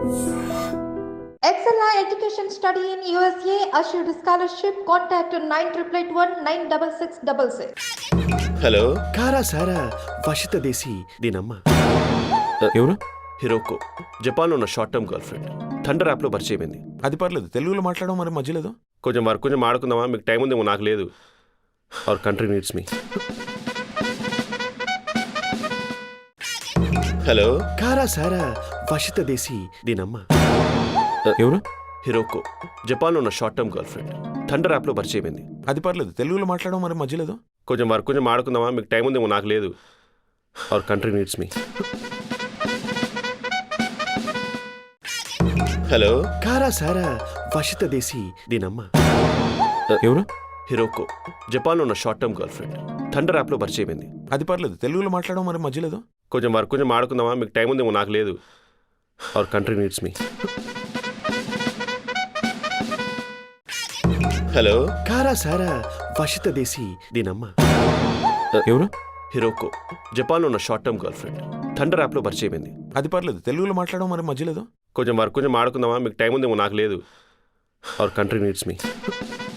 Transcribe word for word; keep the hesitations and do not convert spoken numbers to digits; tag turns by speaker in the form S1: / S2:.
S1: Excella Education Study in U S A assured scholarship. Contact nine eight eight one nine six six six six.
S2: Hello
S3: కారా సారా వషిత దేశీ దీనమ్మ
S2: ఎవరు? Hiroko. జపాన్లో ఉన్న short term girlfriend. Thunder యాప్లో పరిచయం అయింది.
S4: అది పర్లేదు, తెలుగులో మాట్లాడడం మరి మధ్యలేదు.
S2: కొంచెం వర్క్ కొంచెం ఆడుకుందామా? మీకు టైం ఉందేమో, నాకు లేదు. Our country needs me. Hello
S3: కారా సారా వషిత దేశీ దీనమ్మ
S2: ఎవరు? హిరోకో. జపాన్లో ఉన్న short term girlfriend. Thunder యాప్లో పరిచయం అయింది.
S4: అది పర్లేదు, తెలుగులో మాట్లాడడం మరి మధ్యలేదు.
S2: కొంచెం వర్క్ కొంచెం ఆడుకుందామా? మీకు టైం ఉందేమో, నాకు లేదు. Our country needs me. Hello
S3: కారా సారా వషిత దేశీ దీనమ్మ
S2: ఎవరు? హిరోకో. జపాన్లో ఉన్న short term girlfriend. Thunder యాప్లో పరిచయం అయింది.
S4: అది పర్లేదు, తెలుగులో మాట్లాడడం మరి మధ్యలేదు.
S2: కొంచెం వర్క్ కొంచెం ఆడుకుందామా? మీకు టైం ఉందేమో, నాకు లేదు. Our country needs me. Hello
S3: కారా సారా వషిత దేశీ దీనమ్మ
S2: ఎవరు? హిరోకో. జపాన్లో ఉన్న short term girlfriend. Thunder యాప్లో పరిచయం అయింది.
S4: అది పర్లేదు, తెలుగులో మాట్లాడడం మరి మధ్యలేదు.
S2: కొంచెం వర్క్ కొంచెం ఆడుకుందామా? మీకు టైం ఉందేమో, నాకు లేదు. Our country needs me.